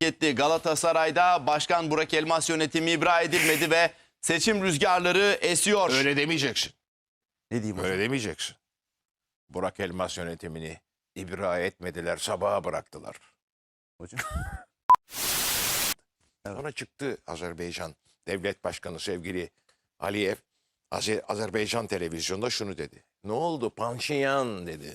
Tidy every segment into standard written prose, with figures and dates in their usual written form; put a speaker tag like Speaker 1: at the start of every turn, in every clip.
Speaker 1: etti. Galatasaray'da Başkan Burak Elmas yönetimi ibra edilmedi ve seçim rüzgarları esiyor.
Speaker 2: Öyle demeyeceksin.
Speaker 1: Ne diyeyim hocam?
Speaker 2: Öyle demeyeceksin. Burak Elmas yönetimini ibra etmediler, sabaha bıraktılar.
Speaker 1: Hocam.
Speaker 2: Sonra çıktı Azerbaycan Devlet Başkanı sevgili Aliyev, Azerbaycan televizyonda şunu dedi. Ne oldu Panşinyan dedi.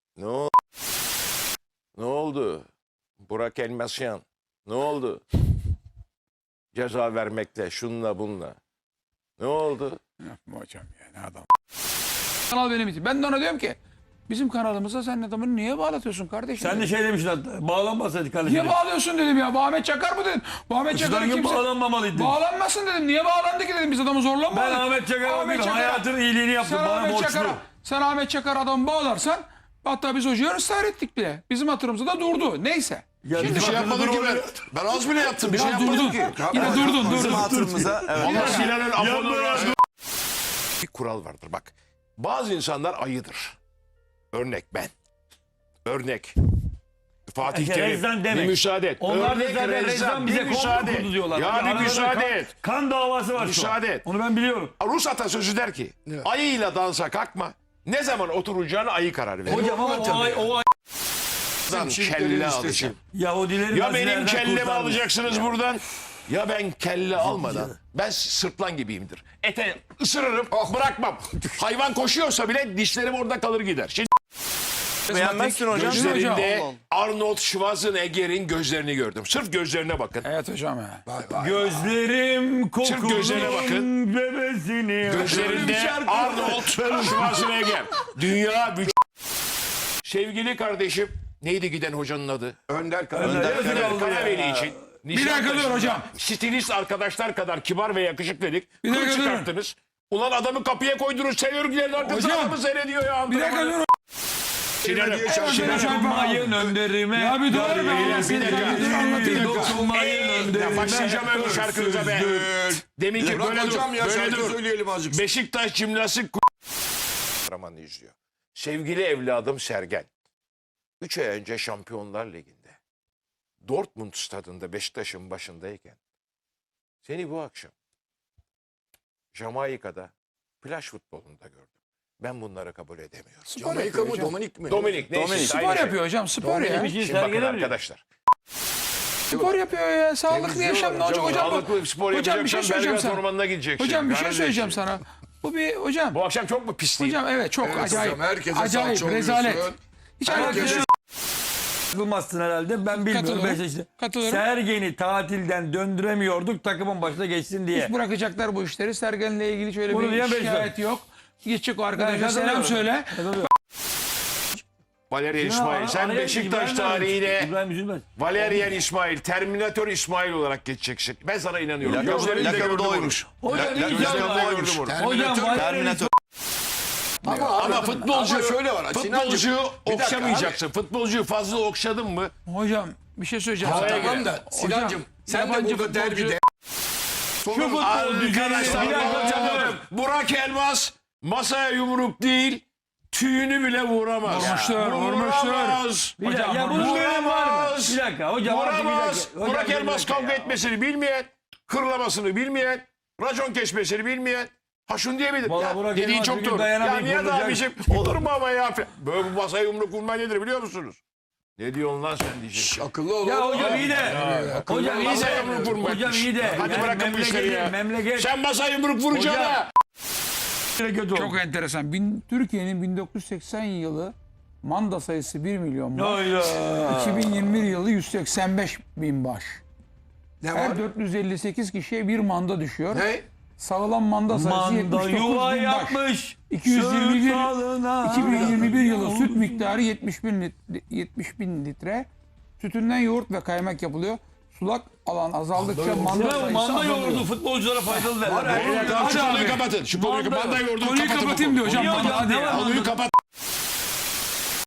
Speaker 2: Ne oldu? Burak Elmasyan. Ne oldu? Ceza vermekle, şunla bununla. Ne oldu?
Speaker 3: Yapma hocam ya, ne adam. Kanal benim için. Ben de ona diyorum ki bizim kanalımıza sen adamını niye bağlatıyorsun kardeşim?
Speaker 4: Sen de şey demiştin hatta. Bağlanmasaydı kardeşim.
Speaker 3: Niye bağlıyorsun dedim ya. Bu Ahmet Çakar mı dedim. Bu Ahmet Çakar'ı
Speaker 4: Sizden
Speaker 3: kimse...
Speaker 4: bağlanmamalıydı.
Speaker 3: Bağlanmasın dedim. Niye bağlandı ki dedim. Biz adamı zorlamadık.
Speaker 4: Ben Ahmet Çakar'a bir hayatın iyiliğini yaptım. Bana borçlu.
Speaker 3: Sen Ahmet Çakar adamı bağlarsan hatta biz hocaya ısrar ettik bile. Bizim hatırımızda da durdu. Neyse.
Speaker 4: Ya
Speaker 2: Bir şey yapmadım ki ben. Ben az bile yaptım. Bir şey yapmadım ki.
Speaker 3: Yine durdun.
Speaker 1: Bizim hatırımıza evet.
Speaker 2: Allah Sinan'ın afonu. Bir kural vardır bak. Bazı insanlar ayıdır. Örnek ben. Örnek. Fatih Terim.
Speaker 4: Rezzan
Speaker 2: Bir
Speaker 4: demek.
Speaker 2: müsaade et.
Speaker 4: Onlar da
Speaker 2: Örnek
Speaker 4: zaten
Speaker 2: Rezzan.
Speaker 4: Rezzan
Speaker 2: Bir
Speaker 4: bize
Speaker 2: müsaade
Speaker 4: komplo kurdu
Speaker 2: et.
Speaker 4: diyorlar.
Speaker 2: Ya bir
Speaker 4: Aralarında
Speaker 2: müsaade et.
Speaker 4: Kan davası var şu an.
Speaker 2: Müsaade et.
Speaker 4: Onu ben biliyorum.
Speaker 2: Rus atasözü der ki ayıyla dansa kalkma. Ne zaman oturacağına ayı karar verir.
Speaker 4: Hocam ama o
Speaker 2: Buradan kelle alacağım.
Speaker 4: Yahudileri
Speaker 2: Ya benim
Speaker 4: Nazilerden
Speaker 2: kellemi
Speaker 4: kurtarmış.
Speaker 2: alacaksınız buradan. Ya ben kelle almadan. Ben sırtlan gibiyimdir. Ete ısırırım bırakmam. Hayvan koşuyorsa bile dişlerim orada kalır gider. Şimdi
Speaker 1: Beğenmezsin hocam.
Speaker 2: gözlerinde
Speaker 3: Hocam.
Speaker 2: Arnold Schwarzenegger'in gözlerini gördüm. Sırf gözlerine bakın.
Speaker 3: Evet hocam ya.
Speaker 4: Gözlerim kokulun
Speaker 2: gözlerine bakın.
Speaker 4: bebesini.
Speaker 2: Gözlerinde Arnold Schwarzenegger. Dünya sevgili kardeşim neydi giden hocanın adı?
Speaker 5: Önder
Speaker 2: Önder Karaveli için.
Speaker 3: Bir dakika dur hocam.
Speaker 2: Stilist arkadaşlar kadar kibar ve yakışıklıydık.
Speaker 3: Bir dakika
Speaker 2: Kıl
Speaker 3: dur.
Speaker 2: çıkarttınız. Ulan adamı kapıya koydunuz. Sevörgülerin arkasında
Speaker 3: Hocam.
Speaker 2: adamı seyrediyor ya.
Speaker 3: Bir dakika dur.
Speaker 4: Dokunmayın önderime.
Speaker 3: Ya bir dur.
Speaker 4: Dokunmayın önderime.
Speaker 2: Başlayacağım öbür şarkınıza be. Demin ki böyle
Speaker 5: hocam
Speaker 2: dur.
Speaker 5: ya
Speaker 2: Böyle
Speaker 5: şarkı
Speaker 2: dur.
Speaker 5: söyleyelim azıcık.
Speaker 2: Beşiktaş Cimnastik Romanı izliyor. Sevgili evladım Sergen. 3 ay önce Şampiyonlar Ligi'nde Dortmund stadında Beşiktaş'ın başındayken seni bu akşam Jamaika'da plaj futbolunda gördüm. Ben bunları kabul edemiyorum.
Speaker 5: Jamaika mı Dominik mi?
Speaker 2: Dominik neyse.
Speaker 1: Dominik.
Speaker 3: Spor
Speaker 2: aynı şey.
Speaker 3: yapıyor hocam. Spor ya.
Speaker 4: Bir şey
Speaker 2: Şimdi bakın
Speaker 4: sergilemiyor.
Speaker 2: arkadaşlar.
Speaker 3: Spor yapıyor ya. Sağlıklı yaşam ne olacak hocam?
Speaker 2: Sağlıklı spor
Speaker 3: Hocam bir şey
Speaker 2: yapacaksan
Speaker 3: söyleyeceğim
Speaker 2: Belgrad
Speaker 3: sana.
Speaker 2: Ormanı'na gideceksin.
Speaker 3: Hocam bir şey
Speaker 2: Kardeşim.
Speaker 3: söyleyeceğim sana. Bu bir hocam.
Speaker 2: Bu akşam çok mu pisliyim?
Speaker 3: Hocam evet çok
Speaker 5: Evet
Speaker 3: acayip.
Speaker 5: hocam, herkese
Speaker 3: Acayip
Speaker 5: salça
Speaker 3: rezalet.
Speaker 5: oluyorsun.
Speaker 3: Hiç
Speaker 5: Herkese-
Speaker 3: alakası yok.
Speaker 4: Sıkılmazsın herhalde. Ben bilmiyorum.
Speaker 3: Katılıyorum.
Speaker 4: Beşiktaş'ta.
Speaker 3: Katılıyorum.
Speaker 4: Sergen'i tatilden döndüremiyorduk takımın başına geçsin diye.
Speaker 3: Hiç bırakacaklar bu işleri. Sergen'le ilgili şöyle
Speaker 4: Bunu
Speaker 3: bir
Speaker 4: diyen
Speaker 3: şikayet
Speaker 4: Beşiktaş.
Speaker 3: yok. Gidecek o arkadaşa
Speaker 4: katılıyorum.
Speaker 3: selam söyle.
Speaker 2: Valerian İsmail. Sen Beşiktaş tarihine
Speaker 4: İbrahim Üzülmez.
Speaker 2: Valerian İsmail, Terminator İsmail olarak geçeceksin. Ben sana inanıyorum. Gözlerimle
Speaker 1: Lakabı
Speaker 2: gördüm
Speaker 1: da
Speaker 2: onu.
Speaker 1: oymuş.
Speaker 4: Hocam
Speaker 2: Gözlerimle
Speaker 4: inşallah.
Speaker 2: gördüm onu.
Speaker 4: Hocam
Speaker 1: Terminator.
Speaker 2: Ama futbolcu
Speaker 5: Ama şöyle var,
Speaker 2: futbolcuyu
Speaker 5: Sinancığım, bir dakika
Speaker 2: okşamayacaksın. Futbolcuyu fazla okşadın mı?
Speaker 3: Hocam bir şey söyleyeceğim.
Speaker 2: Havaya
Speaker 3: sana.
Speaker 5: Tamam da Sinancım sen de
Speaker 3: yabancı
Speaker 5: burada
Speaker 3: futbolcu-
Speaker 5: derbide
Speaker 4: şu futbolcu
Speaker 2: Arkadaşlar
Speaker 4: bir dakika canım.
Speaker 2: Burak Elmas masaya yumruk değil tüyünü bile vuramaz.
Speaker 3: Vurmuşlar,
Speaker 2: Vuramaz.
Speaker 4: Bir dakika,
Speaker 3: Hocam,
Speaker 4: ya bunun gören var mı?
Speaker 2: Vuramaz.
Speaker 4: Bir dakika hocam. artık bir
Speaker 2: Vuramaz.
Speaker 4: dakika. Hocam,
Speaker 2: Burak
Speaker 4: bir
Speaker 2: Elmas
Speaker 4: dakika
Speaker 2: kavga
Speaker 4: ya.
Speaker 2: etmesini bilmeyen, hırlamasını bilmeyen, racon kesmesini bilmeyen. Ha şunu diyebilir.
Speaker 4: Vallahi
Speaker 2: Ya,
Speaker 4: Burak
Speaker 2: dediğin
Speaker 4: Elmas
Speaker 2: çok
Speaker 4: bir gün
Speaker 2: doğru. Ya
Speaker 4: dayanamayıp
Speaker 2: Nihat
Speaker 4: vurulacak.
Speaker 2: abiciğim olur mu ama ya? Böyle bu masaya yumruk vurma nedir biliyor musunuz? Ne diyorsun lan sen diyeceksin.
Speaker 5: akıllı ol.
Speaker 4: Ya hocam iyi de. Hocam iyi
Speaker 2: Masaya
Speaker 4: de.
Speaker 2: yumruk vurma.
Speaker 4: Hocam iyi de.
Speaker 2: Hadi
Speaker 4: Yani
Speaker 2: bırakın bu işleri ya.
Speaker 4: Memleket.
Speaker 2: Sen masaya yumruk vuracaksın
Speaker 4: Hocam.
Speaker 2: ha.
Speaker 4: Kötü oldu.
Speaker 3: Çok enteresan. Türkiye'nin 1980 yılı manda sayısı 1 milyon baş.
Speaker 4: Hayda.
Speaker 3: 2021 yılı 185 bin baş.
Speaker 5: Ne var?
Speaker 3: Her 458 kişiye bir manda düşüyor.
Speaker 5: Ne?
Speaker 3: Sağlam manda sayısı
Speaker 4: Manda
Speaker 3: 79
Speaker 4: yuva
Speaker 3: bin baş.
Speaker 4: yapmış.
Speaker 3: 221
Speaker 4: Sırtlarına
Speaker 3: 2021 yılı süt miktarı 70 bin litre. Sütünden yoğurt ve kaymak yapılıyor. Sulak alan azaldıkça manda
Speaker 4: Sinan,
Speaker 3: sayısı
Speaker 4: manda
Speaker 3: azalıyor.
Speaker 4: yoğurdu futbolculara faydalı derler.
Speaker 2: Tamam, şu
Speaker 3: Hadi
Speaker 2: konuyu
Speaker 3: abi.
Speaker 2: kapatın. Şu konuyu
Speaker 4: Manda-
Speaker 2: manda yoğurdu
Speaker 3: Konuyu
Speaker 2: kapatın.
Speaker 3: kapatayım diyor hocam.
Speaker 4: Niye hocam?
Speaker 3: Hadi
Speaker 4: Ne var
Speaker 3: ya.
Speaker 4: manda?
Speaker 2: Konuyu kapat.